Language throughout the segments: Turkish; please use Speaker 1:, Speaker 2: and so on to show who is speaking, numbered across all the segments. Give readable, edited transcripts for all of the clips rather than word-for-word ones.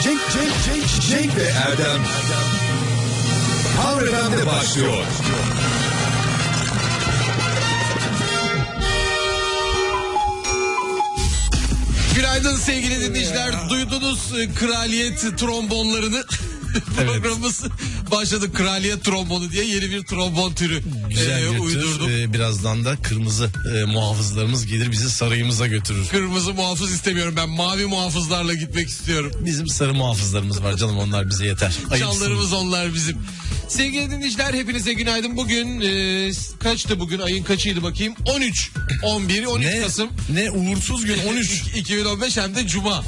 Speaker 1: Cenk ve Erdem Power FM'de başlıyor.
Speaker 2: Günaydın sevgili dinleyiciler. Duydunuz kraliyet trombonlarını. Programımız başladı. Kraliyet trombonu diye yeni bir trombon türü uydurdum.
Speaker 3: Birazdan da kırmızı muhafızlarımız gelir bizi sarayımıza götürür.
Speaker 2: Kırmızı muhafız istemiyorum, ben mavi muhafızlarla gitmek istiyorum.
Speaker 3: Bizim sarı muhafızlarımız var canım, onlar bize yeter.
Speaker 2: Canlarımız onlar bizim. Sevgili dinleyiciler hepinize günaydın. Bugün kaçtı bugün, ayın kaçıydı bakayım? 13 Kasım.
Speaker 3: Ne uğursuz gün 13.
Speaker 2: 2015 hem de Cuma.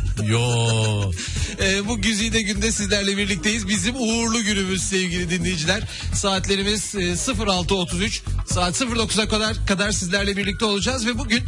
Speaker 3: Yo.
Speaker 2: Bu güzide günde sizlerle birlikteyiz. Bizim uğurlu günümüz sevgili dinleyiciler. Saatlerimiz 06.33, saat 09'a kadar sizlerle birlikte olacağız ve bugün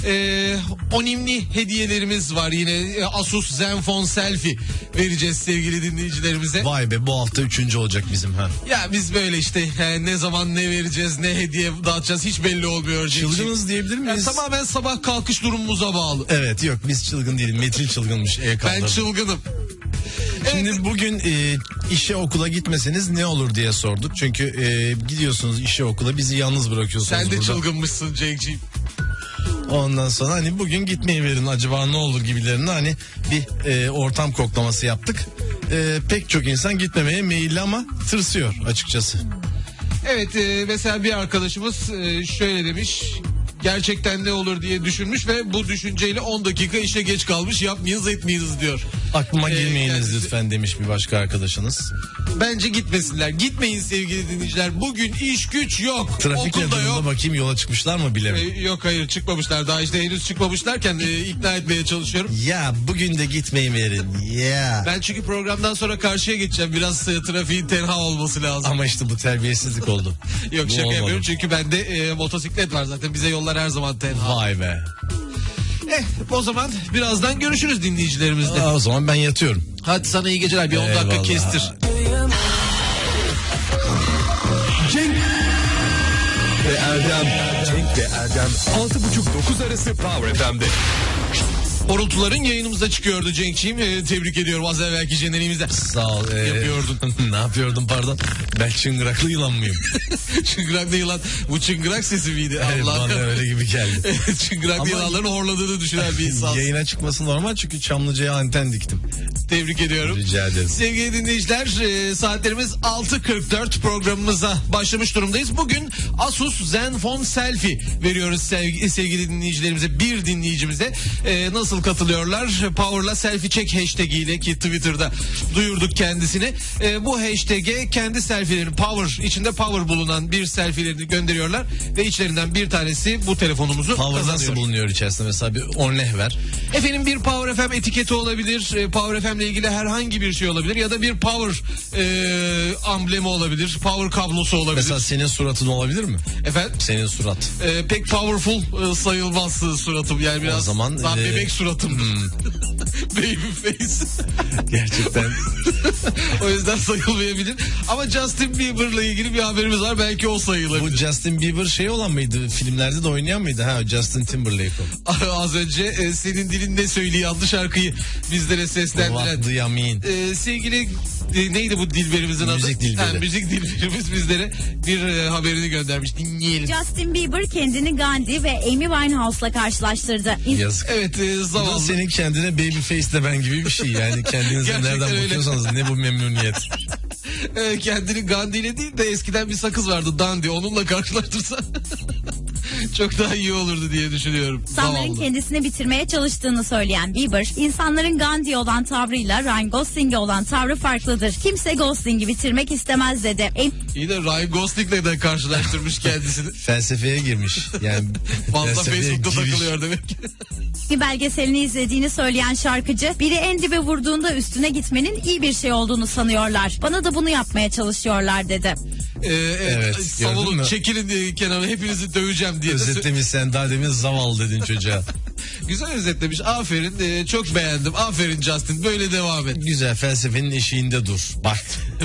Speaker 2: önemli hediyelerimiz var. Yine Asus Zenfone Selfie vereceğiz sevgili dinleyicilerimize.
Speaker 3: Vay be, bu hafta 3. olacak bizim ha.
Speaker 2: Ya biz böyle işte ne zaman ne vereceğiz, ne hediye dağıtacağız hiç belli olmuyor.
Speaker 3: Çılgınız diyebilir miyiz?
Speaker 2: Yani tamamen sabah kalkış durumumuza bağlı.
Speaker 3: Evet, yok biz çılgın değiliz. Metin çılgınmış.
Speaker 2: Ben çılgınım.
Speaker 3: Şimdi bugün işe okula gitmeseniz ne olur diye sorduk. Çünkü gidiyorsunuz işe okula, bizi yalnız bırakıyorsunuz
Speaker 2: Sen de
Speaker 3: burada.
Speaker 2: çılgınmışsın Cenk'ciğim.
Speaker 3: Ondan sonra hani bugün gitmeyi verin acaba ne olur gibilerine hani bir ortam koklaması yaptık. Pek çok insan gitmemeye meyilli ama tırsıyor açıkçası.
Speaker 2: Evet, mesela bir arkadaşımız şöyle demiş. Gerçekten ne olur diye düşünmüş ve bu düşünceyle 10 dakika işe geç kalmış. Yapmayınız etmeyiniz diyor.
Speaker 3: Aklıma girmeyiniz lütfen demiş bir başka arkadaşınız.
Speaker 2: Bence gitmesinler. Gitmeyin sevgili dinleyiciler. Bugün iş güç yok.
Speaker 3: Trafik
Speaker 2: okulda yok.
Speaker 3: Bakayım yola çıkmışlar mı bilemem.
Speaker 2: Yok hayır çıkmamışlar. Daha işte henüz çıkmamışlarken ikna etmeye çalışıyorum.
Speaker 3: Ya bugün de gitmeyi verin. Ya.
Speaker 2: Ben çünkü programdan sonra karşıya geçeceğim. Biraz trafiğin tenha olması lazım.
Speaker 3: Ama işte bu terbiyesizlik oldu.
Speaker 2: Yok şaka yapıyorum çünkü bende motosiklet var zaten. Bize yollar her zaman tenha.
Speaker 3: Vay be.
Speaker 2: O zaman birazdan görüşürüz dinleyicilerimizle.
Speaker 3: O zaman ben yatıyorum.
Speaker 2: Hadi sana iyi geceler. Bir 10 dakika kestir.
Speaker 1: Cenk ve Erdem 6.30-9 arası Power FM'de.
Speaker 2: Horultuların yayınımıza çıkıyordu Cenk'ciğim. Tebrik ediyorum az evvelki jeneriğimizde.
Speaker 3: Sağ ol.
Speaker 2: Yapıyordun.
Speaker 3: Ne yapıyordum pardon? Ben çıngıraklı yılan mıyım?
Speaker 2: Çıngıraklı yılan. Bu çıngırak sesi miydi?
Speaker 3: Evet, bana öyle gibi geldi.
Speaker 2: Çıngıraklı yılanların horladığını düşünen bir insan.
Speaker 3: Yayına çıkması normal çünkü Çamlıca'ya anten diktim.
Speaker 2: Tebrik ediyorum.
Speaker 3: Rica ederim.
Speaker 2: Sevgili dinleyiciler saatlerimiz 6.44, programımıza başlamış durumdayız. Bugün Asus Zenfone Selfie veriyoruz sevgili dinleyicilerimize, bir dinleyicimize. Nasıl katılıyorlar? Power'la selfie çek hashtag ile, ki Twitter'da duyurduk kendisini. Bu hashtag'e kendi selfielerini, Power içinde Power bulunan bir selfielerini gönderiyorlar ve içlerinden bir tanesi bu telefonumuzu
Speaker 3: Power
Speaker 2: kazanıyor.
Speaker 3: nasıl bulunuyor içerisinde? Mesela bir örnek ver.
Speaker 2: Efendim bir Power FM etiketi olabilir. Power FM ile ilgili herhangi bir şey olabilir ya da bir Power amblemi olabilir. Power kablosu olabilir.
Speaker 3: Mesela senin suratın olabilir mi?
Speaker 2: Efendim?
Speaker 3: Senin surat.
Speaker 2: Pek powerful sayılmaz suratım. Yani biraz
Speaker 3: o zaman,
Speaker 2: daha bebek suratım. Baby face.
Speaker 3: Gerçekten.
Speaker 2: O yüzden sayılmayabilir. Ama Justin Bieber'la ilgili bir haberimiz var. Belki o sayılabilir.
Speaker 3: Bu Justin Bieber şey olan mıydı? Filmlerde de oynayan mıydı? Ha, Justin Timberlake o.
Speaker 2: Az önce senin dilinde söylüyor adlı şarkıyı bizlere seslendiren.
Speaker 3: What do you mean?
Speaker 2: Sevgili neydi bu dilberimizin adı?
Speaker 3: Müzik dilberi.
Speaker 2: Müzik dilberimiz bizlere bir haberini göndermiş. Dinleyelim.
Speaker 4: Justin Bieber kendini Gandhi ve Amy Winehouse'la karşılaştırdı.
Speaker 3: Yazık.
Speaker 2: Evet zavallı.
Speaker 3: Bu senin kendine babyface de ben gibi bir şey. Yani kendinize
Speaker 2: Gerçekten
Speaker 3: nereden
Speaker 2: öyle.
Speaker 3: bakıyorsanız ne bu memnuniyet.
Speaker 2: Kendini Gandhi ile değil de eskiden bir sakız vardı Dandy, onunla karşılaştırsa çok daha iyi olurdu diye düşünüyorum.
Speaker 4: İnsanların
Speaker 2: Zavallı.
Speaker 4: kendisini bitirmeye çalıştığını söyleyen Bieber, insanların Gandhi'ye olan tavrıyla Ryan Gosling'e olan tavrı farklıdır. Kimse Gosling'i bitirmek istemez dedi.
Speaker 2: İyi de Ryan Gosling'le de karşılaştırmış kendisini.
Speaker 3: Felsefeye girmiş. Yani
Speaker 2: Fazla
Speaker 3: felsefeye
Speaker 2: Facebook'ta
Speaker 3: giriş.
Speaker 2: takılıyor demek ki.
Speaker 4: Bir belgeselini izlediğini söyleyen şarkıcı, biri en dibe vurduğunda üstüne gitmenin iyi bir şey olduğunu sanıyorlar. Bana da bunu yapmaya çalışıyorlar dedi.
Speaker 3: Evet, gördün
Speaker 2: savunun,
Speaker 3: mü?
Speaker 2: çekilin kenara, hepinizi döveceğim diye.
Speaker 3: Özetlemiş, sen daha demin zavallı dedin çocuğa.
Speaker 2: Güzel özetlemiş, aferin, çok beğendim, aferin Justin, böyle devam et.
Speaker 3: Güzel, felsefenin eşiğinde dur. Bak.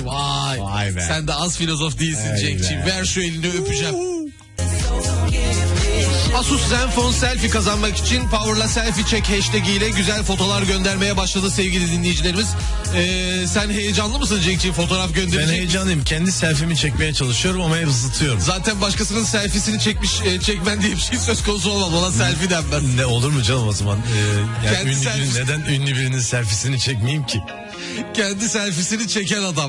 Speaker 2: Vay
Speaker 3: be.
Speaker 2: Sen de az filozof değilsin
Speaker 3: Vay
Speaker 2: Cenk'ciğim.
Speaker 3: be.
Speaker 2: Ver şu elini öpeceğim. Asus Zenfone Selfie kazanmak için Power'la selfie çek hashtag ile güzel fotolar göndermeye başladı sevgili dinleyicilerimiz. Sen heyecanlı mısın Cenk'ciğim fotoğraf gönderecek?
Speaker 3: Ben heyecanlıyım. Kendi selfie'mi çekmeye çalışıyorum ama hep zıtıyorum.
Speaker 2: Zaten başkasının selfiesini çekmen diye bir şey söz konusu olmaz. Ona selfie denmez.
Speaker 3: Ne olur mu canım o zaman? Yani
Speaker 2: Kendi
Speaker 3: neden ünlü birinin selfiesini çekmeyeyim ki?
Speaker 2: Kendi selfiesini çeken adam.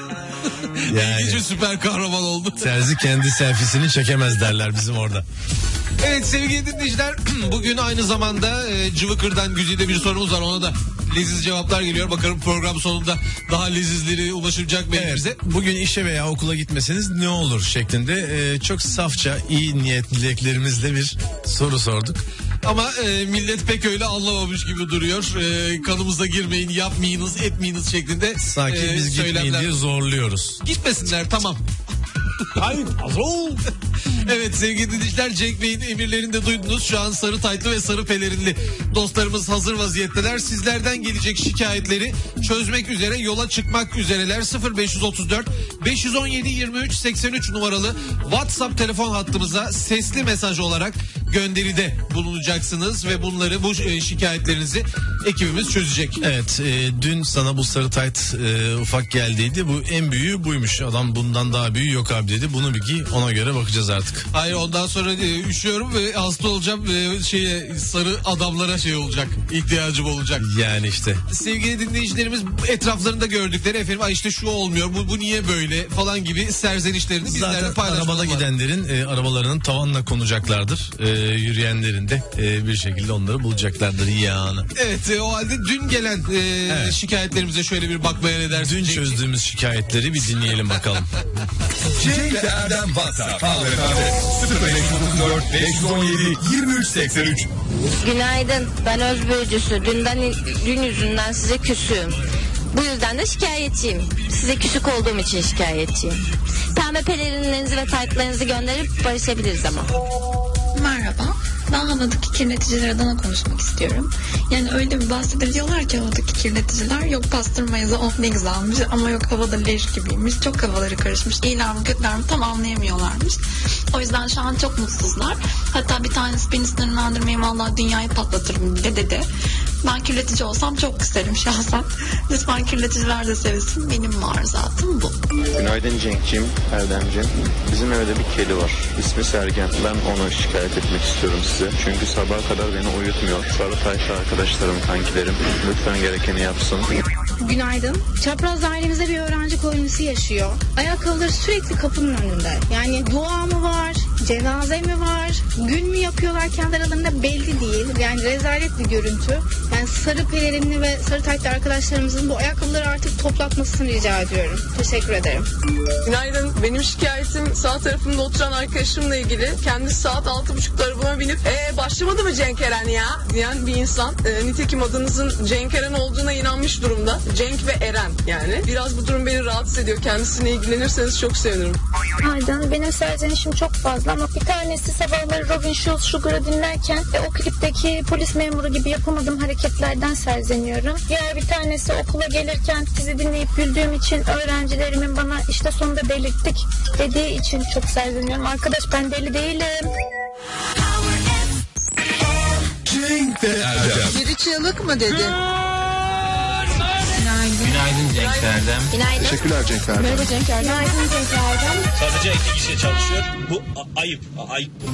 Speaker 3: Yani.
Speaker 2: İlginç bir süper kahraman oldu.
Speaker 3: Terzi kendi selfiesini çekemez derler bizim orada.
Speaker 2: Evet sevgili dinleyiciler, bugün aynı zamanda Cıvıkır'dan Güzide bir sorumuz var, ona da leziz cevaplar geliyor. Bakalım program sonunda daha lezizleri ulaşacak mı elimize?
Speaker 3: Bugün işe veya okula gitmeseniz ne olur şeklinde çok safça iyi niyet dileklerimizle bir soru sorduk.
Speaker 2: Ama millet pek öyle anlamamış gibi duruyor. Kanımıza girmeyin, yapmayınız, etmeyiniz şeklinde.
Speaker 3: Sanki biz gitmeyin diye zorluyoruz.
Speaker 2: Gitmesinler, tamam.
Speaker 3: Hayır, azol.
Speaker 2: Evet sevgili dinleyiciler, Cenk Bey'in emirlerini de duydunuz. Şu an sarı taytlı ve sarı pelerinli dostlarımız hazır vaziyetteler. Sizlerden gelecek şikayetleri çözmek üzere yola çıkmak üzereler. 0534 517 23 83 numaralı WhatsApp telefon hattımıza sesli mesaj olarak gönderide bulunacaksınız ve bunları, bu şikayetlerinizi ekibimiz çözecek.
Speaker 3: Evet, dün sana bu sarı tayt ufak geldiydi. Bu en büyüğü buymuş. Adam bundan daha büyüğü yok abi dedi. Bunu bir giy, ona göre bakacağız artık.
Speaker 2: Hayır, ondan sonra üşüyorum ve hasta olacağım ve sarı adamlara olacak, ihtiyacım olacak.
Speaker 3: Yani işte.
Speaker 2: Sevgili dinleyicilerimiz etraflarında gördükleri efendim işte şu olmuyor, bu niye böyle falan gibi serzenişlerini bizlerle
Speaker 3: zaten
Speaker 2: paylaşmaları
Speaker 3: arabada
Speaker 2: var.
Speaker 3: gidenlerin arabalarının tavanla konacaklardır. Yürüyenlerin de bir şekilde onları bulacaklardır yani.
Speaker 2: Evet, o halde dün gelen şikayetlerimize şöyle bir bakmaya ne dersin?
Speaker 3: Dün çözdüğümüz şikayetleri bir dinleyelim bakalım.
Speaker 1: Cenk ve Erdem WhatsApp. Power FM 0534 517 23 83.
Speaker 5: Günaydın, ben Özbürcüsü. Dün yüzünden size küsüğüm. Bu yüzden de şikayetçiyim. Size küsük olduğum için şikayetçiyim. Pembe pelerinlerinizi ve taytlarınızı gönderip barışabiliriz ama.
Speaker 6: Merhaba. Ben havadaki kirleticiler adına konuşmak istiyorum. Yani öyle bir bahsediyorlar ki havadaki kirleticiler, yok pastırma yazı of ne güzelmiş ama yok havada leş gibiymiş. Çok havaları karışmış. İyiler mi kötüler mi tam anlayamıyorlarmış. O yüzden şu an çok mutsuzlar. Hatta bir tanesi beni sinirlendirmeyin vallahi dünyayı patlatırım bile dedi. Ben kirletici olsam çok isterim şahsen. Lütfen kirleticiler de sevilsin. Benim var zaten bu.
Speaker 7: Günaydın Cenk'ciğim, Erdem'ciğim. Bizim evde bir kedi var. İsmi Sergen. Ben onu şikayet etmek istiyorum size. Çünkü sabaha kadar beni uyutmuyor. Sarı taytlı arkadaşlarım, kankilerim. Lütfen gerekeni yapsın.
Speaker 8: Günaydın. Çapraz dairemizde bir öğrenci kolonisi yaşıyor. Ayakkabıları sürekli kapının önünde. Yani dua mı var, cenaze mi var, gün mü yapıyorlar kendi aralarında belli değil. Yani rezalet bir görüntü. Yani sarı pelerinli ve sarı taytlı arkadaşlarımızın bu ayakkabıları artık toplatmasını rica ediyorum. Teşekkür ederim.
Speaker 9: Günaydın. Benim şikayetim sağ tarafımda oturan arkadaşımla ilgili. Kendisi saat 6.30'da arabama binip başlamadı mı Cenk Eren ya diyen bir insan. Nitekim adınızın Cenk Eren olduğuna inanmış durumda. Cenk ve Eren yani. Biraz bu durum beni rahatsız ediyor. Kendisine ilgilenirseniz çok sevinirim.
Speaker 8: Aydan benim serzenişim çok fazla ama bir tanesi sabahları Robin Schulz Sugar'ı dinlerken o klipteki polis memuru gibi yapamadığım hareketlerden serzeniyorum. Diğer bir tanesi okula gelirken sizi dinleyip güldüğüm için öğrencilerimin bana işte sonunda delirttik dediği için çok serzeniyorum. Arkadaş ben deli değilim.
Speaker 1: Cenk ve Erdem.
Speaker 9: Biri çığlık mı dedi?
Speaker 10: Günaydın Cenk Erdem.
Speaker 5: Günaydın.
Speaker 7: Teşekkürler Cenk Erdem.
Speaker 8: Merhaba Cenk Erdem. Günaydın Cenk Erdem.
Speaker 10: Sadece 2 kişi çalışıyor. Bu ayıp. Ayıp bu.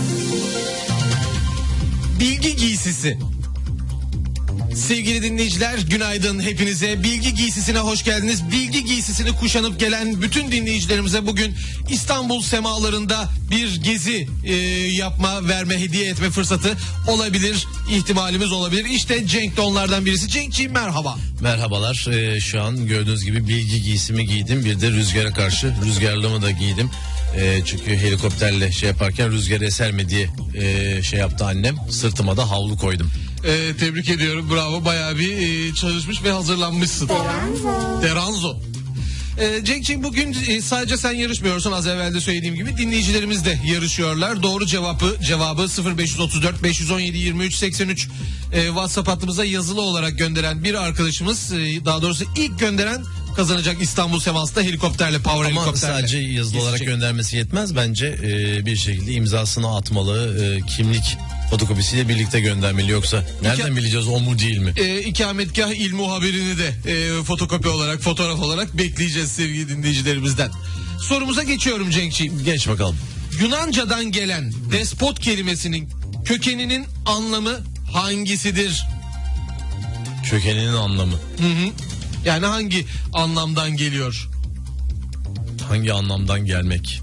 Speaker 2: Bilgi giysisi. Sevgili dinleyiciler, günaydın hepinize. Bilgi giysisine hoş geldiniz. Bilgi giysisini kuşanıp gelen bütün dinleyicilerimize bugün İstanbul semalarında bir gezi yapma, verme, hediye etme fırsatı olabilir, ihtimalimiz olabilir. İşte Cenk de onlardan birisi. Cenk'ciğim merhaba.
Speaker 3: Merhabalar. Şu an gördüğünüz gibi bilgi giysimi giydim. Bir de rüzgara karşı rüzgarlığımı da giydim. Çünkü helikopterle yaparken rüzgar eser mi diye yaptı annem. Sırtıma da havlu koydum.
Speaker 2: Tebrik ediyorum, bravo, bayağı bir çalışmış ve hazırlanmışsın. Deranzo. Cenk'ciğim bugün sadece sen yarışmıyorsun, az evvel de söylediğim gibi dinleyicilerimiz de yarışıyorlar. Doğru cevabı 0534 517 23 83 WhatsApp hattımıza yazılı olarak gönderen bir arkadaşımız, daha doğrusu ilk gönderen kazanacak İstanbul Semas'ta helikopterle, power
Speaker 3: Ama
Speaker 2: helikopterle.
Speaker 3: sadece yazılı olarak göndermesi yetmez. Bence bir şekilde imzasını atmalı. Kimlik fotokopisiyle birlikte göndermeli. Yoksa nereden bileceğiz o mu değil mi?
Speaker 2: İkametgah il muhabirini de fotokopi olarak, fotoğraf olarak bekleyeceğiz sevgili dinleyicilerimizden. Sorumuza geçiyorum Cenk'ciğim.
Speaker 3: Geç bakalım.
Speaker 2: Yunanca'dan gelen despot kelimesinin kökeninin anlamı hangisidir?
Speaker 3: Kökeninin anlamı.
Speaker 2: Yani hangi anlamdan geliyor?
Speaker 3: Hangi anlamdan gelmek?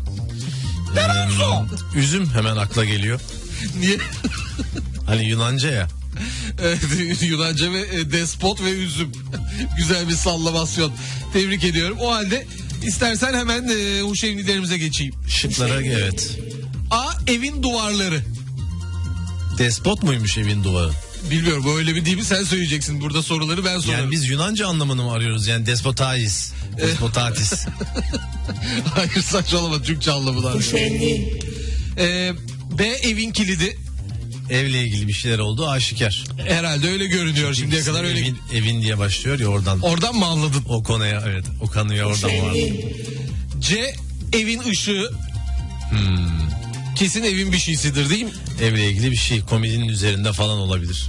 Speaker 3: Üzüm hemen akla geliyor.
Speaker 2: Niye?
Speaker 3: Hani Yunanca ya.
Speaker 2: Evet, Yunanca ve despot ve üzüm. Güzel bir sallamasyon. Tebrik ediyorum. O halde istersen hemen huşevnilerimize geçeyim.
Speaker 3: Şıklara evet.
Speaker 2: A. Evin duvarları.
Speaker 3: Despot muymuş evin duvarı?
Speaker 2: Bilmiyorum, öyle mi değil mi sen söyleyeceksin. Burada soruları ben sorarım.
Speaker 3: Yani biz Yunanca anlamını mı arıyoruz? Yani despotais, despotatis.
Speaker 2: Hayır, saçmalama, Türkçe anlamı var. B. Evin kilidi.
Speaker 3: Evle ilgili bir şeyler oldu aşikar.
Speaker 2: Herhalde öyle görünüyor. Şimdiye kadar öyle.
Speaker 3: Evin diye başlıyor ya oradan.
Speaker 2: Oradan mı anladın?
Speaker 3: O konuya evet. O konuya oradan vardı.
Speaker 2: C. Evin ışığı. Kesin evin bir şeysidir değil mi?
Speaker 3: Evle ilgili bir şey. Komedinin üzerinde falan olabilir.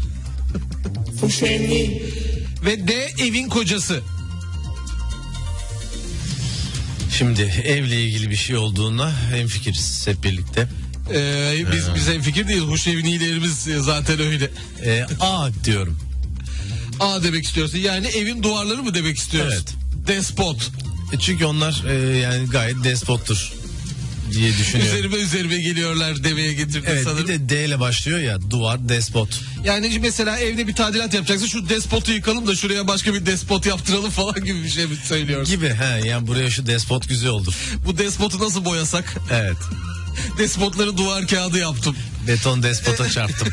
Speaker 2: Ve D. Evin kocası.
Speaker 3: Şimdi evle ilgili bir şey olduğuna hemfikiriz hep birlikte.
Speaker 2: Biz hemfikir değiliz. Huşevnilerimiz zaten öyle.
Speaker 3: A diyorum.
Speaker 2: A demek istiyorsun. Yani evin duvarları mı demek istiyorsun?
Speaker 3: Evet.
Speaker 2: Despot.
Speaker 3: Çünkü onlar yani gayet despottur diye düşünüyorum.
Speaker 2: Üzerime geliyorlar demeye getirdim
Speaker 3: evet,
Speaker 2: sanırım.
Speaker 3: Bir de D ile başlıyor ya, duvar, despot.
Speaker 2: Yani mesela evde bir tadilat yapacaksın, şu despotu yıkalım da şuraya başka bir despot yaptıralım falan gibi bir şey mi söylüyorsun?
Speaker 3: Gibi yani buraya şu despot güzel olur.
Speaker 2: Bu despotu nasıl boyasak?
Speaker 3: Evet.
Speaker 2: Despotları duvar kağıdı yaptım.
Speaker 3: Beton despota çarptım.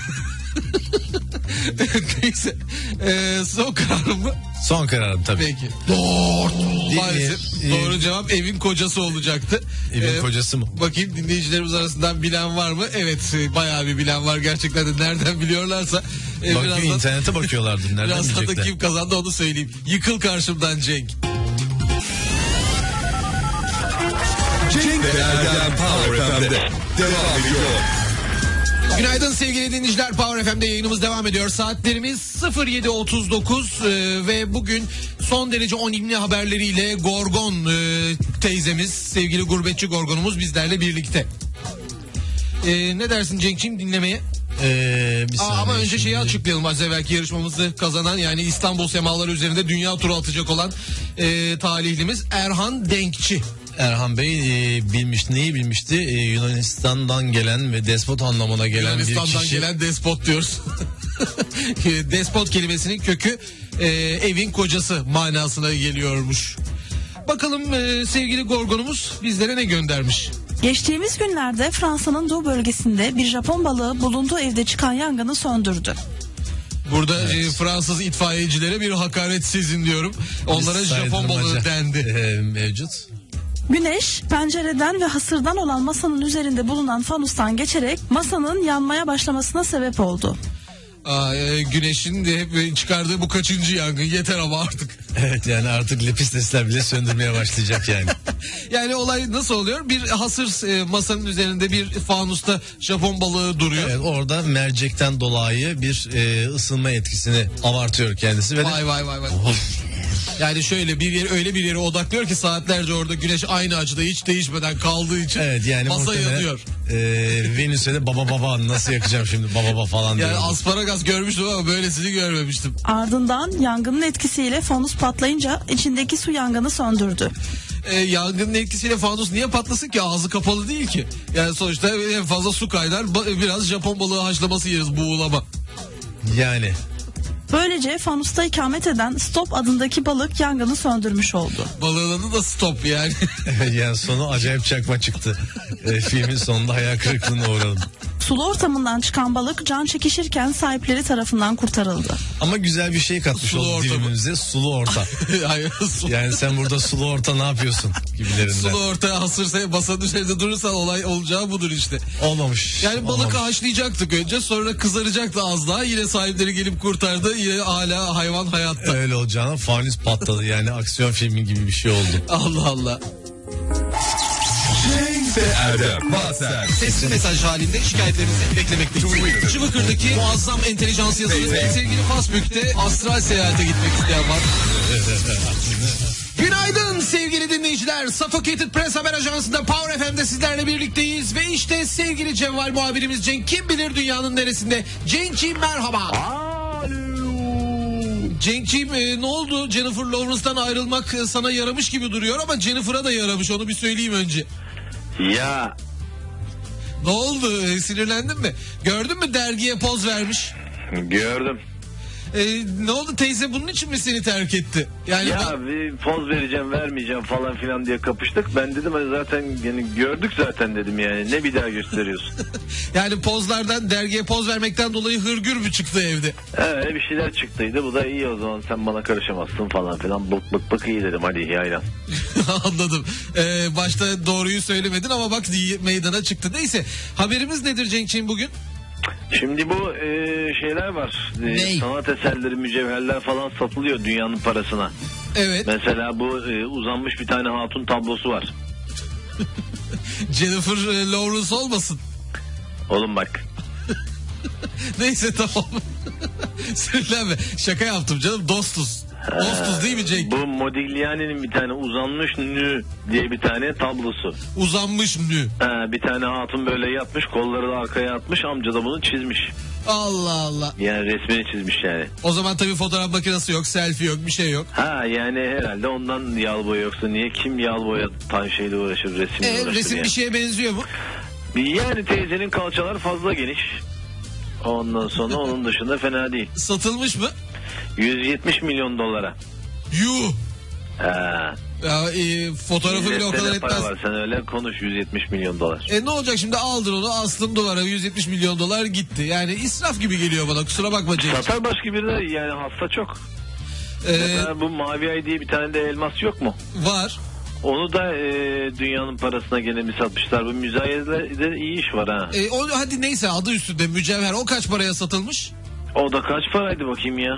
Speaker 2: Neyse. Son kararım mı?
Speaker 3: Son kararım tabii.
Speaker 2: Peki. Maalesef doğru cevap evin kocası olacaktı.
Speaker 3: Evin kocası mı?
Speaker 2: Bakayım dinleyicilerimiz arasından bilen var mı? Evet, bayağı bir bilen var. Gerçekten de nereden biliyorlarsa.
Speaker 3: Bakıyor, internete bakıyorlardı. Nereden
Speaker 2: birazdan
Speaker 3: bilecekler?
Speaker 2: da kim kazandı onu söyleyeyim. Yıkıl karşımdan Cenk.
Speaker 1: Cenk ve Erdem Power FM'de devam ediyor.
Speaker 2: Günaydın sevgili dinleyiciler, Power FM'de yayınımız devam ediyor. Saatlerimiz 07.39 ve bugün son derece önemli haberleriyle Gorgon teyzemiz, sevgili gurbetçi Gorgon'umuz bizlerle birlikte. Ne dersin Cenk'ciğim dinlemeye? Ama önce şeyi açıklayalım. Az evvelki yarışmamızı kazanan, yani İstanbul semaları üzerinde dünya turu atacak olan talihlimiz Erhan Denkçi.
Speaker 3: Erhan Bey neyi bilmişti? Yunanistan'dan gelen ve despot anlamına gelen bir kişi.
Speaker 2: Yunanistan'dan gelen despot diyoruz. Despot kelimesinin kökü evin kocası manasına geliyormuş. Bakalım sevgili Gorgon'umuz bizlere ne göndermiş?
Speaker 11: Geçtiğimiz günlerde Fransa'nın doğu bölgesinde bir Japon balığı bulunduğu evde çıkan yangını söndürdü.
Speaker 2: Burada Fransız itfaiyecilere bir hakaret sizin diyorum. Onlara Japon balığı dendi.
Speaker 3: Mevcut.
Speaker 11: Güneş pencereden ve hasırdan olan masanın üzerinde bulunan fanustan geçerek masanın yanmaya başlamasına sebep oldu.
Speaker 2: Güneşin de hep çıkardığı bu kaçıncı yangın, yeter ama artık.
Speaker 3: Evet, yani artık lepistesler bile söndürmeye başlayacak yani.
Speaker 2: Yani olay nasıl oluyor? Bir hasır masanın üzerinde bir fanusta Japon balığı duruyor.
Speaker 3: Evet, orada mercekten dolayı bir ısınma etkisini abartıyor kendisi. Ve
Speaker 2: vay. Yani şöyle öyle bir yere odaklıyor ki saatlerce orada güneş aynı açıda hiç değişmeden kaldığı için
Speaker 3: yani
Speaker 2: masa yanıyor.
Speaker 3: Venüs'e de baba nasıl yakacağım şimdi baba falan diyor.
Speaker 2: Yani asparagas görmüştüm ama böylesini görmemiştim.
Speaker 11: Ardından yangının etkisiyle fanus patlayınca içindeki su yangını söndürdü.
Speaker 2: Yangının etkisiyle fanus niye patlasın ki? Ağzı kapalı değil ki. Yani sonuçta en fazla su kaynar, biraz Japon balığı haşlaması yeriz, buğulama.
Speaker 3: Yani.
Speaker 11: Böylece fanusta ikamet eden Stop adındaki balık yangını söndürmüş oldu.
Speaker 2: Balığın adı da Stop yani.
Speaker 3: Yani sonu acayip çakma çıktı. Filmin sonunda hayal kırıklığına uğradım.
Speaker 11: Sulu ortamından çıkan balık can çekişirken sahipleri tarafından kurtarıldı.
Speaker 3: Ama güzel bir şey katmış
Speaker 2: Sulu
Speaker 3: oldu
Speaker 2: orta mı?
Speaker 3: dilimize, sulu orta.
Speaker 2: Hayır,
Speaker 3: Yani sen burada sulu orta ne yapıyorsun gibilerinden.
Speaker 2: sulu ortaya hasırsa masanın üzerinde durursan olay olacağı budur işte.
Speaker 3: Olmamış.
Speaker 2: Yani balık
Speaker 3: olmamış.
Speaker 2: haşlayacaktık önce, sonra kızaracaktı az daha, yine sahipleri gelip kurtardı, yine hala hayvan hayatta.
Speaker 3: Öyle olacağına fanüs patladı, yani aksiyon filmi gibi bir şey oldu.
Speaker 2: Allah Allah.
Speaker 1: Cenk ve Erdem Baser.
Speaker 2: Sesli mesaj halinde şikayetlerinizi beklemekteyiz. Çıvıkır'daki muazzam entelijans yazılı sevgili Fasbük'te astral seyahate gitmek isteyen var. Günaydın sevgili dinleyiciler. Suffocated Press haber ajansında Power FM'de sizlerle birlikteyiz. Ve işte sevgili Cevval muhabirimiz Cenk, kim bilir dünyanın neresinde. Cenk'ciğim merhaba. Cenk'ciğim ne oldu? Jennifer Lawrence'dan ayrılmak sana yaramış gibi duruyor ama Jennifer'a da yaramış, onu bir söyleyeyim önce.
Speaker 12: Ya
Speaker 2: Ne oldu? Sinirlendin mi? Gördün mü dergiye poz vermiş?
Speaker 12: gördüm.
Speaker 2: Ne oldu, teyze bunun için mi seni terk etti? Yani
Speaker 12: Ya bir poz vereceğim vermeyeceğim falan filan diye kapıştık. Ben dedim hani zaten yani gördük zaten dedim, yani ne bir daha gösteriyorsun.
Speaker 2: yani pozlardan, dergiye poz vermekten dolayı hırgür mü çıktı evde?
Speaker 12: Evet, bir şeyler çıktıydı, bu da iyi, o zaman sen bana karışamazsın falan filan, bık iyi dedim, hadi yaylan.
Speaker 2: Anladım. Başta doğruyu söylemedin ama bak meydana çıktı. Neyse, haberimiz nedir Cenk'ciğim bugün?
Speaker 12: Şimdi bu şeyler var. Sanat eserleri, mücevherler falan satılıyor dünyanın parasına.
Speaker 2: Evet.
Speaker 12: Mesela bu uzanmış bir tane hatun tablosu var.
Speaker 2: Jennifer Lawrence olmasın?
Speaker 12: Oğlum bak.
Speaker 2: Neyse tamam. Sinirlenme. Şaka yaptım canım, dostuz. Dostuz değil mi Cenk?
Speaker 12: Bu Modigliani'nin bir tane uzanmış nü diye bir tane tablosu.
Speaker 2: Uzanmış nü.
Speaker 12: Bir tane hatun böyle yatmış, kolları da arkaya atmış, amca da bunu çizmiş.
Speaker 2: Allah Allah.
Speaker 12: Yani resmini çizmiş yani.
Speaker 2: O zaman tabii fotoğraf makinesi yok, selfie yok, bir şey yok.
Speaker 12: Yani herhalde ondan yağlı boya, yoksa niye, kim yağlı boya şeyle uğraşır, resimle uğraşır
Speaker 2: resim
Speaker 12: yani.
Speaker 2: bir şeye benziyor mu?
Speaker 12: Yani teyzenin kalçalar fazla geniş. Ondan sonra onun dışında fena değil.
Speaker 2: Satılmış mı?
Speaker 12: 170 milyon dolara.
Speaker 2: Yuh. Ya, fotoğrafı bile o kadar etmez.
Speaker 12: Para var, sen öyle konuş, 170 milyon dolar.
Speaker 2: Ne olacak şimdi, aldın onu, astın duvara, 170 milyon dolar gitti. Yani israf gibi geliyor bana, kusura bakma Cenk.
Speaker 12: Satar başka biri de, yani hasta çok. Mesela bu Mavi Ay diye bir tane de elmas yok mu?
Speaker 2: Var.
Speaker 12: Onu da dünyanın parasına gene bir satmışlar. Bu müzayede iyi iş var ha.
Speaker 2: Hadi neyse, adı üstünde mücevher, o kaç paraya satılmış?
Speaker 12: O da kaç paraydı bakayım ya?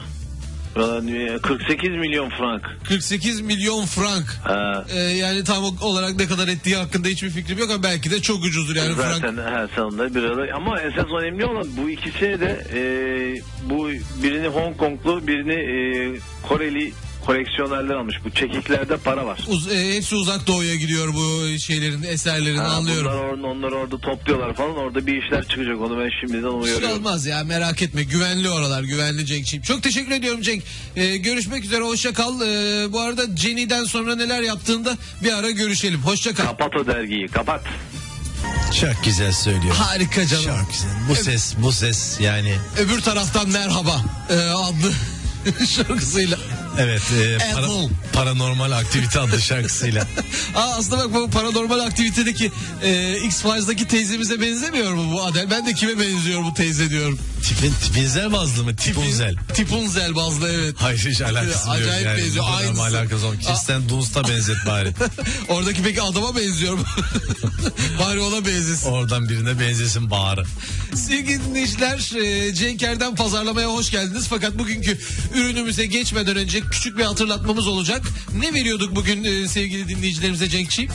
Speaker 12: 48 milyon frank.
Speaker 2: 48 milyon frank. Yani tam olarak ne kadar ettiği hakkında hiçbir fikrim yok ama belki de çok ucuzdur yani.
Speaker 12: Zaten her sonunda bir arada. Ama esas önemli olan bu ikisi de bu birini Hong Konglu, birini Koreli koleksiyonerler almış. Bu çekiklerde para var.
Speaker 2: Hepsi uzak doğuya gidiyor bu şeylerin, eserlerin, anlıyorum.
Speaker 12: Onlar orada topluyorlar falan, orada bir işler çıkacak, onu ben şimdiden uyarıyorum.
Speaker 2: Bir şey olmaz ya, merak etme, güvenli oralar, güvenli Cenk'ciğim. Çok teşekkür ediyorum Cenk. Görüşmek üzere, hoşça kal. Bu arada Jenny'den sonra neler yaptığında bir ara görüşelim. Hoşça kal.
Speaker 12: Kapat o dergiyi, kapat.
Speaker 3: Çok güzel söylüyor.
Speaker 2: Harika canım.
Speaker 3: Çok güzel. Bu ses yani.
Speaker 2: Öbür taraftan merhaba adlı şarkısıyla.
Speaker 3: Evet, Paranormal Aktivite adlı şarkısıyla.
Speaker 2: Aslında bak, bu Paranormal Aktivite'deki X-Files'daki teyzemize benzemiyor mu bu Adel? Ben de kime benziyor bu teyze diyorum.
Speaker 3: Tipinzel bazlı mı? Tipunzel.
Speaker 2: Tipunzel bazlı, evet.
Speaker 3: Hayır, hiç alakası yok.
Speaker 2: Acayip
Speaker 3: yani.
Speaker 2: benziyor. Aynısı.
Speaker 3: Alakası yok. Kirsten Dunst'a benzet bari.
Speaker 2: Oradaki peki adama benziyor mu? Bari ona benzesin.
Speaker 3: Oradan birine benzesin bari.
Speaker 2: Sevgili dinleyiciler, Cenk Erdem pazarlamaya hoş geldiniz. Fakat bugünkü ürünümüze geçmeden önce küçük bir hatırlatmamız olacak. Ne veriyorduk bugün sevgili dinleyicilerimize Cenk'ciğim?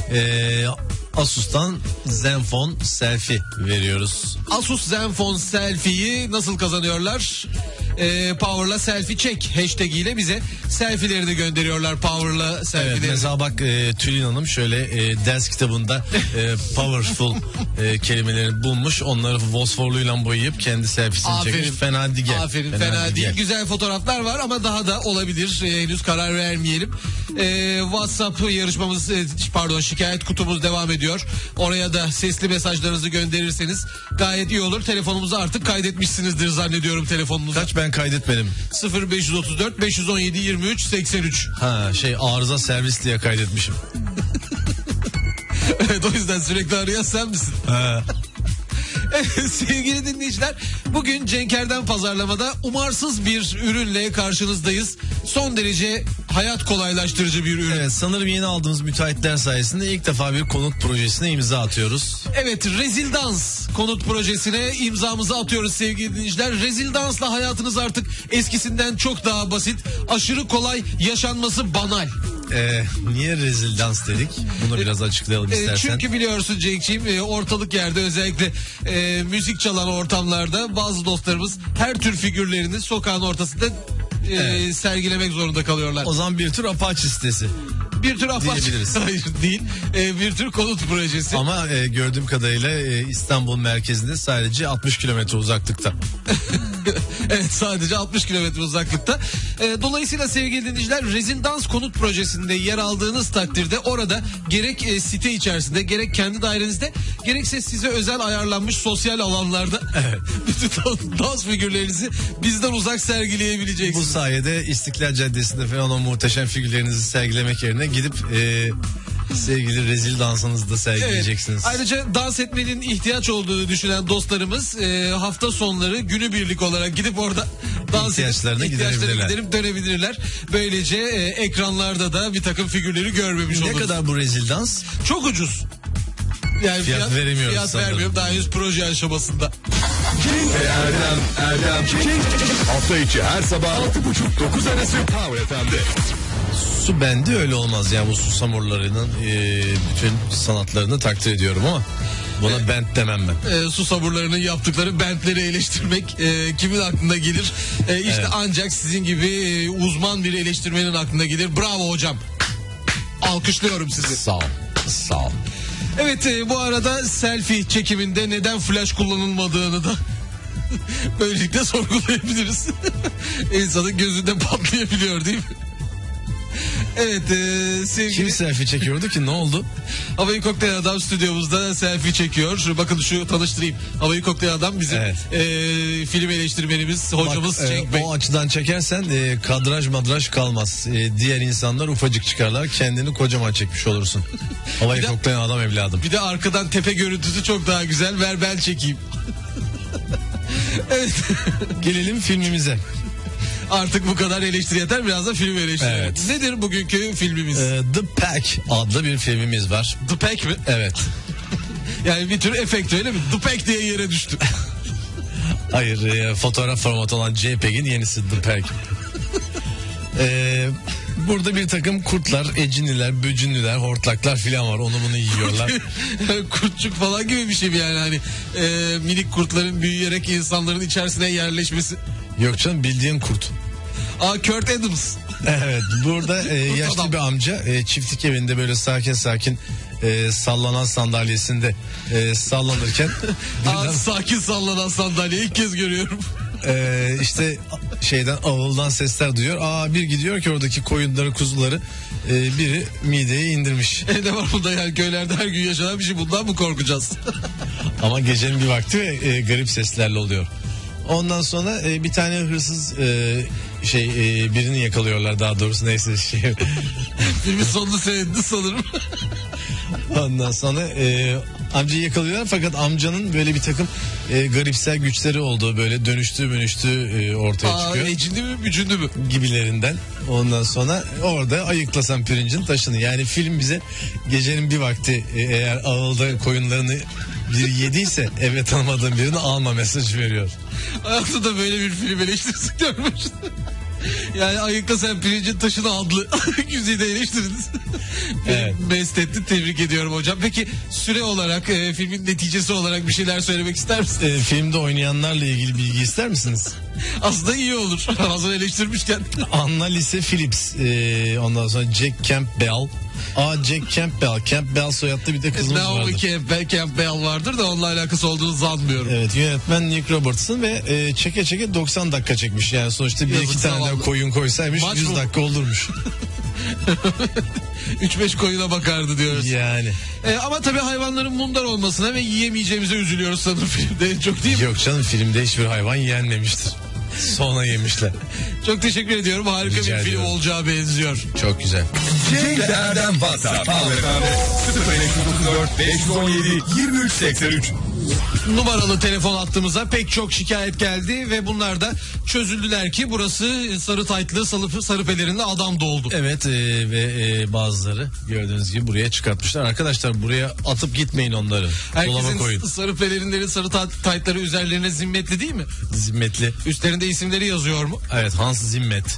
Speaker 3: Asus'tan Zenfone Selfie veriyoruz.
Speaker 2: Asus Zenfone Selfie'yi nasıl kazanıyorlar? Power'la selfie çek hashtag ile bize selfie'lerini gönderiyorlar, Power'la selfie'lerini.
Speaker 3: Evet, mesela bak Tülin Hanım şöyle ders kitabında powerful kelimelerini bulmuş. Onları fosforluyla boyayıp kendi selfiesini çekmiş. Fena değil.
Speaker 2: Aferin, fena değil. Güzel fotoğraflar var ama daha da olabilir. Henüz karar vermeyelim. WhatsApp yarışmamız, şikayet kutumuz devam ediyor. Oraya da sesli mesajlarınızı gönderirseniz gayet iyi olur. Telefonumuzu artık kaydetmişsinizdir zannediyorum, telefonunuzu.
Speaker 3: Kaç, ben kaydetmedim.
Speaker 2: 0534 517 23 83.
Speaker 3: Arıza servis diye kaydetmişim.
Speaker 2: Evet, o yüzden sürekli arayan sen misin? Evet, sevgili dinleyiciler, bugün Cenker'den Pazarlama'da umarsız bir ürünle karşınızdayız. Son derece hayat kolaylaştırıcı bir ürün.
Speaker 3: Evet, sanırım yeni aldığımız müteahhitler sayesinde ilk defa bir konut projesine imza atıyoruz.
Speaker 2: Evet, Rezildans konut projesine imzamızı atıyoruz sevgili dinleyiciler. Rezildans'la hayatınız artık eskisinden çok daha basit, aşırı kolay, yaşanması banal.
Speaker 3: Niye rezildans dedik? Bunu biraz açıklayalım istersen.
Speaker 2: Çünkü biliyorsun Cenk'ciğim, ortalık yerde özellikle müzik çalan ortamlarda bazı dostlarımız her tür figürlerini sokağın ortasında sergilemek zorunda kalıyorlar.
Speaker 3: O zaman bir tür Apache sitesi.
Speaker 2: Bir tür Apache.
Speaker 3: Diyebiliriz.
Speaker 2: Hayır değil. Bir tür konut projesi.
Speaker 3: Ama gördüğüm kadarıyla İstanbul merkezinde sadece 60 kilometre uzaklıkta.
Speaker 2: Evet, sadece 60 kilometre uzaklıkta. Dolayısıyla sevgili dinleyiciler, Rezildans konut projesinde yer aldığınız takdirde orada gerek site içerisinde, gerek kendi dairenizde, gerekse size özel ayarlanmış sosyal alanlarda bütün dans figürlerinizi bizden uzak sergileyebileceksiniz.
Speaker 3: Bu sayede İstiklal Caddesi'nde falan o muhteşem figürlerinizi sergilemek yerine gidip sevgili rezil dansınızı da sergileyeceksiniz.
Speaker 2: Evet. Ayrıca dans etmenin ihtiyaç olduğunu düşünen dostlarımız hafta sonları günübirlik olarak gidip orada dans
Speaker 3: ihtiyaçlarını
Speaker 2: giderip dönebilirler. Böylece ekranlarda da bir takım figürleri görmemiş oluruz.
Speaker 3: Ne kadar bu rezil dans?
Speaker 2: Çok ucuz. Yani
Speaker 3: fiyat veremiyoruz.
Speaker 2: Fiyat vermiyorum, daha henüz proje aşamasında.
Speaker 1: Cenk ve Erdem. Hafta içi her sabah 6.30-9 arası Power FM'de.
Speaker 3: Su bende öyle olmaz ya, bu susamurlarının bütün sanatlarını takdir ediyorum ama buna bent demem ben.
Speaker 2: Susamurlarının yaptıkları bentleri eleştirmek kimin aklına gelir? İşte ancak sizin gibi uzman bir eleştirmenin aklına gelir. Bravo hocam. Alkışlıyorum sizi.
Speaker 3: Sağ ol.
Speaker 2: Evet, bu arada selfie çekiminde neden flash kullanılmadığını da böylelikle sorgulayabiliriz. İnsanın gözünde patlayabiliyor değil mi? Evet, sevgili...
Speaker 3: Kim selfie çekiyordu ki, ne oldu?
Speaker 2: Havayı Kokteyl Adam stüdyomuzda selfie çekiyor. Bakın şu tanıştırayım. Havayı Kokteyl Adam bizim film eleştirmenimiz, hocamız Cenk Bey.
Speaker 3: O açıdan çekersen kadraj madraj kalmaz. Diğer insanlar ufacık çıkarlar, kendini kocaman çekmiş olursun. Havayı Kokteyl Adam evladım.
Speaker 2: Bir de arkadan tepe görüntüsü çok daha güzel. Ver ben çekeyim. Evet.
Speaker 3: Gelelim filmimize.
Speaker 2: Artık bu kadar eleştiri yeter, biraz da film eleştiri.
Speaker 3: Evet.
Speaker 2: Nedir bugünkü filmimiz?
Speaker 3: The Pack adlı bir filmimiz var.
Speaker 2: The Pack mi?
Speaker 3: Evet.
Speaker 2: Yani bir tür efekt, öyle mi? The Pack diye yere düştü.
Speaker 3: Hayır, fotoğraf formatı olan JPEG'in yenisi The Pack. Burada bir takım kurtlar, eciniler, böcünlüler, hortlaklar filan var. Onu bunu yiyorlar.
Speaker 2: Kurtçuk falan gibi bir şey mi yani? Hani minik kurtların büyüyerek insanların içerisine yerleşmesi.
Speaker 3: Yok canım, bildiğin kurt.
Speaker 2: Kurt Adams.
Speaker 3: Evet, burada yaşlı bir amca çiftlik evinde böyle sakin sallanan sandalyesinde sallanırken
Speaker 2: sakin sallanan sandalyeyi ilk kez görüyorum.
Speaker 3: İşte avuldan sesler duyuyor. Bir gidiyor ki oradaki koyunları, kuzuları biri mideye indirmiş.
Speaker 2: Ne var bunda yani, köylerde her gün yaşanan bir şey, bundan mı korkacağız?
Speaker 3: Ama gecenin bir vakti ve garip seslerle oluyor. Ondan sonra bir tane hırsız birini yakalıyorlar, daha doğrusu neyse
Speaker 2: Filmin sonunu seyretti sanırım.
Speaker 3: Ondan sonra amcayı yakalıyorlar, fakat amcanın böyle bir takım garipsel güçleri olduğu, böyle dönüştüğü ortaya çıkıyor.
Speaker 2: Ecindi mi, bücündü mü?
Speaker 3: Gibilerinden. Ondan sonra orada ayıklasan pirincin taşını. Yani film bize gecenin bir vakti eğer ağılda koyunlarını biri yediyse eve tanımadığın birini alma mesajı veriyor.
Speaker 2: Hayatımda böyle bir film eleştirisi görmüştüm. Yani ayıkla sen pirincin taşını adlı güzide eleştirdiniz.
Speaker 3: Evet.
Speaker 2: Mest etti, tebrik ediyorum hocam. Peki süre olarak, filmin neticesi olarak bir şeyler söylemek ister misiniz?
Speaker 3: Filmde oynayanlarla ilgili bilgi ister misiniz?
Speaker 2: Aslında iyi olur. Hazır eleştirmişken.
Speaker 3: Anna Lise Phillips, ondan sonra Jack Campbell. Jack Campbell. Campbell soyadlı bir de kızımız vardı.
Speaker 2: Campbell vardır da onunla alakası olduğunu sanmıyorum.
Speaker 3: Evet, yönetmen Nick Robertson ve çeke 90 dakika çekmiş. Yani sonuçta bir iki tane daha koyun koysaymış 100 dakika olurmuş.
Speaker 2: 3-5 koyuna bakardı diyoruz.
Speaker 3: Yani.
Speaker 2: Ama tabii hayvanların mundar olmasına ve yiyemeyeceğimize üzülüyoruz sanırım filmde, çok değil mi?
Speaker 3: Yok canım, filmde hiçbir hayvan yenmemiştir. Sonra yemişler.
Speaker 2: Çok teşekkür ediyorum. Harika bir film olacağı benziyor.
Speaker 3: Çok güzel.
Speaker 1: Cenk ve Erdem WhatsApp Power FM'de 0534 517 2383.
Speaker 2: numaralı telefon hattımıza pek çok şikayet geldi ve bunlar da çözüldüler ki burası sarı taytlı, sarı pelerinli adam doldu.
Speaker 3: Evet ve bazıları gördüğünüz gibi buraya çıkartmışlar. Arkadaşlar buraya atıp gitmeyin onları. Dolaba koyun.
Speaker 2: Herkesin sarı pelerinleri, sarı taytları üzerlerine zimmetli değil mi?
Speaker 3: Zimmetli.
Speaker 2: Üstlerinde isimleri yazıyor mu?
Speaker 3: Evet, Hans Zimmet.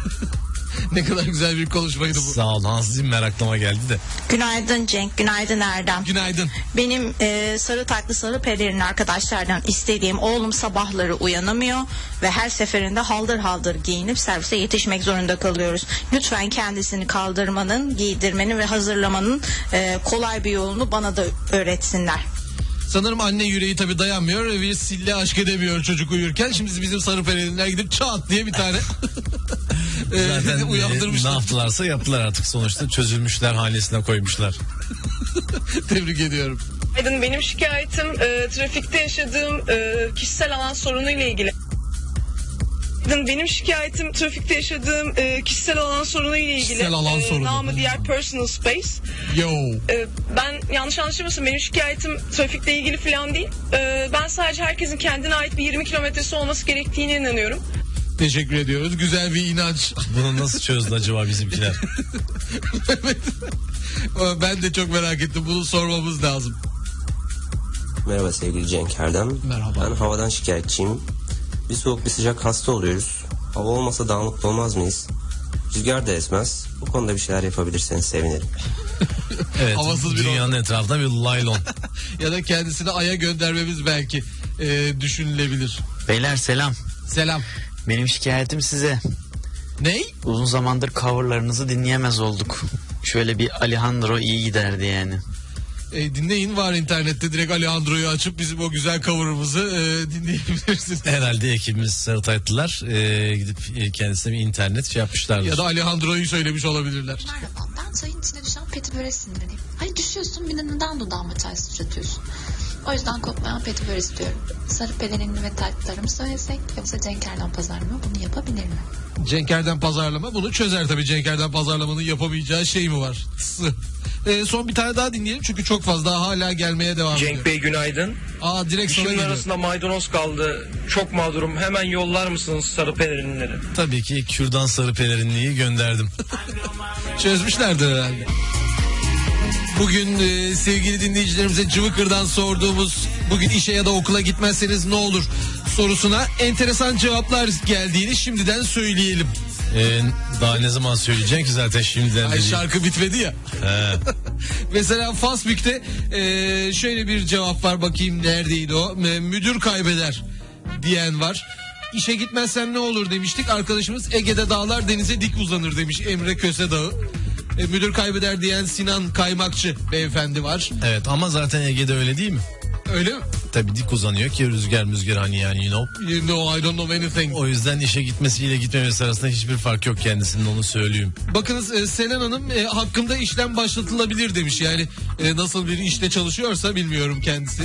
Speaker 2: Ne kadar güzel bir konuşmaydı bu.
Speaker 3: Sağ ol, Hans Zimmer aklıma geldi de.
Speaker 13: Günaydın Cenk, günaydın Erdem.
Speaker 2: Günaydın.
Speaker 13: Benim sarı taklı sarı pelerin arkadaşlardan istediğim, oğlum sabahları uyanamıyor ve her seferinde haldır haldır giyinip servise yetişmek zorunda kalıyoruz. Lütfen kendisini kaldırmanın, giydirmenin ve hazırlamanın kolay bir yolunu bana da öğretsinler.
Speaker 2: Sanırım anne yüreği tabii dayanmıyor ve sille aşk edemiyor çocuk uyurken. Şimdi bizim sarı pelerinler gidip çat diye bir tane
Speaker 3: zaten
Speaker 2: uyandırmışlar.
Speaker 3: Ne yaptılarsa yaptılar artık, sonuçta çözülmüşler, hanesine koymuşlar.
Speaker 2: Tebrik ediyorum.
Speaker 9: Benim şikayetim trafikte yaşadığım kişisel alan sorunuyla ilgili. Benim şikayetim trafikte yaşadığım kişisel alan sorunuyla ilgili.
Speaker 2: Kişisel alan sorunu.
Speaker 9: Namı diğer personal space.
Speaker 2: Yo.
Speaker 9: Ben yanlış anlaşılmasın, benim şikayetim trafikle ilgili falan değil. Ben sadece herkesin kendine ait bir 20 kilometresi olması gerektiğine inanıyorum.
Speaker 2: Teşekkür ediyoruz. Güzel bir inanç.
Speaker 3: Bunu nasıl çözdü acaba bizimkiler?
Speaker 2: Evet. Ben de çok merak ettim. Bunu sormamız lazım.
Speaker 14: Merhaba sevgili Cenk Erdem.
Speaker 2: Merhaba.
Speaker 14: Ben havadan şikayetçiyim. Bir soğuk bir sıcak hasta oluyoruz. Hava olmasa daha mutlu olmaz mıyız? Rüzgar da esmez. Bu konuda bir şeyler yapabilirseniz sevinirim.
Speaker 3: Evet,
Speaker 2: havasız bir
Speaker 3: dünyanın etrafında bir laylon.
Speaker 2: Ya da kendisini Ay'a göndermemiz belki düşünülebilir.
Speaker 15: Beyler selam.
Speaker 2: Selam.
Speaker 15: Benim şikayetim size.
Speaker 2: Ney?
Speaker 15: Uzun zamandır coverlarınızı dinleyemez olduk. Şöyle bir Alejandro iyi giderdi yani.
Speaker 2: Dinleyin, var internette, direkt Alejandro'yu açıp bizim o güzel cover'ımızı dinleyebilirsiniz.
Speaker 3: Herhalde ekibimiz sarı taytlılar gidip kendisine bir internet yapmışlardır.
Speaker 2: Ya da Alejandro'yu söylemiş olabilirler.
Speaker 6: Merhaba, ben çayın içine düşen petiböre sinirliyim. Hayır düşüyorsun, bir de neden dudağıma çay sıçratıyorsun? O yüzden kopmayan petibör istiyorum. Sarı pelerinli ve taytlarımı söylesek, yoksa Cenk Erdem pazarlama bunu yapabilir mi?
Speaker 2: Cenk Erdem pazarlama bunu çözer tabii. Cenk Erdem pazarlamanın yapamayacağı şey mi var? Son bir tane daha dinleyelim çünkü çok fazla hala gelmeye devam ediyor.
Speaker 16: Cenk Bey günaydın.
Speaker 2: Direkt sana
Speaker 16: İşimin
Speaker 2: geliyor.
Speaker 16: arasında maydanoz kaldı. Çok mağdurum. Hemen yollar mısınız sarı pelerinleri?
Speaker 3: Tabii ki kürdan sarı pelerinliği gönderdim.
Speaker 2: Çözmüşlerdir herhalde. Bugün sevgili dinleyicilerimize Cıvıkır'dan sorduğumuz, bugün işe ya da okula gitmezseniz ne olur sorusuna enteresan cevaplar geldiğini şimdiden söyleyelim.
Speaker 3: Daha ne zaman söyleyeceksin ki zaten şimdiden.
Speaker 2: Ay, şarkı bitmedi ya. Mesela Fasbük'te şöyle bir cevap var, bakayım neredeydi o. Müdür kaybeder diyen var. İşe gitmezsen ne olur demiştik. Arkadaşımız Ege'de dağlar denize dik uzanır demiş, Emre Köse Dağı. Müdür kaybeder diyen Sinan Kaymakçı beyefendi var.
Speaker 3: Evet, ama zaten Ege'de öyle değil mi?
Speaker 2: Öyle mi?
Speaker 3: Tabii dik uzanıyor ki rüzgar hani yani you know.
Speaker 2: You know, I don't know anything.
Speaker 3: O yüzden işe gitmesiyle gitmemesi arasında hiçbir fark yok kendisinin, onu söyleyeyim.
Speaker 2: Bakınız Selen Hanım hakkında işlem başlatılabilir demiş. Yani nasıl bir işte çalışıyorsa bilmiyorum kendisi.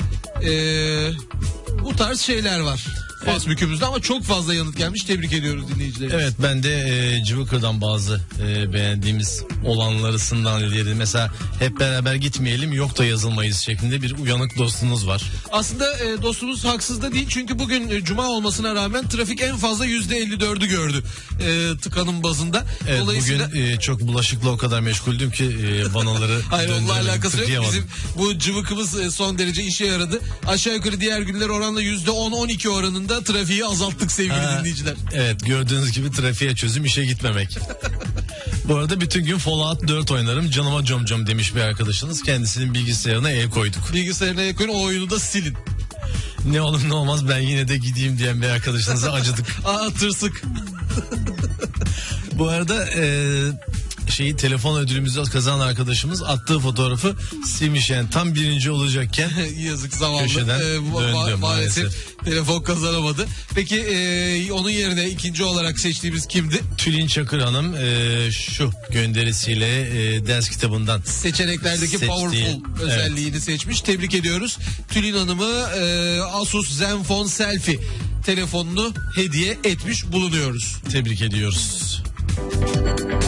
Speaker 2: Bu tarz şeyler var. Fasbük'ümüzde ama çok fazla yanıt gelmiş. Tebrik ediyoruz dinleyicilerimizi.
Speaker 3: Evet, ben de Cıvıkır'dan bazı beğendiğimiz olanlarısından ileri. Mesela hep beraber gitmeyelim, yok da yazılmayız şeklinde bir uyanık dostunuz var.
Speaker 2: Aslında dostumuz haksız da değil. Çünkü bugün cuma olmasına rağmen trafik en fazla %54'ü gördü tıkanın bazında.
Speaker 3: Evet,
Speaker 2: Dolayısıyla...
Speaker 3: bugün çok bulaşıkla o kadar meşguldüm ki vanaları
Speaker 2: hayır, onunla alakası yok.
Speaker 3: tıkayamadım.
Speaker 2: Bizim bu cıvıkımız son derece işe yaradı. Aşağı yukarı diğer günler oranla %10-12 oranında trafiği azalttık sevgili dinleyiciler.
Speaker 3: Evet, gördüğünüz gibi trafiğe çözüm işe gitmemek. Bu arada bütün gün Fallout 4 oynarım, canıma com demiş bir arkadaşınız. Kendisinin bilgisayarına el koyduk.
Speaker 2: Bilgisayarına el koyun, o oyunu da silin.
Speaker 3: Ne olur ne olmaz ben yine de gideyim diyen bir arkadaşınıza acıdık.
Speaker 2: Tırsık.
Speaker 3: Bu arada telefon ödülümüzü kazanan arkadaşımız attığı fotoğrafı silmiş, yani tam birinci olacakken
Speaker 2: yazık, zavallı.
Speaker 3: Köşeden döndü maalesef.
Speaker 2: Telefon kazanamadı. Peki onun yerine ikinci olarak seçtiğimiz kimdi?
Speaker 3: Tülin Çakır Hanım şu gönderisiyle ders kitabından
Speaker 2: seçeneklerdeki powerful özelliğini seçmiş. Tebrik ediyoruz. Tülin Hanım'ı Asus Zenfone Selfie telefonunu hediye etmiş bulunuyoruz.
Speaker 3: Tebrik ediyoruz.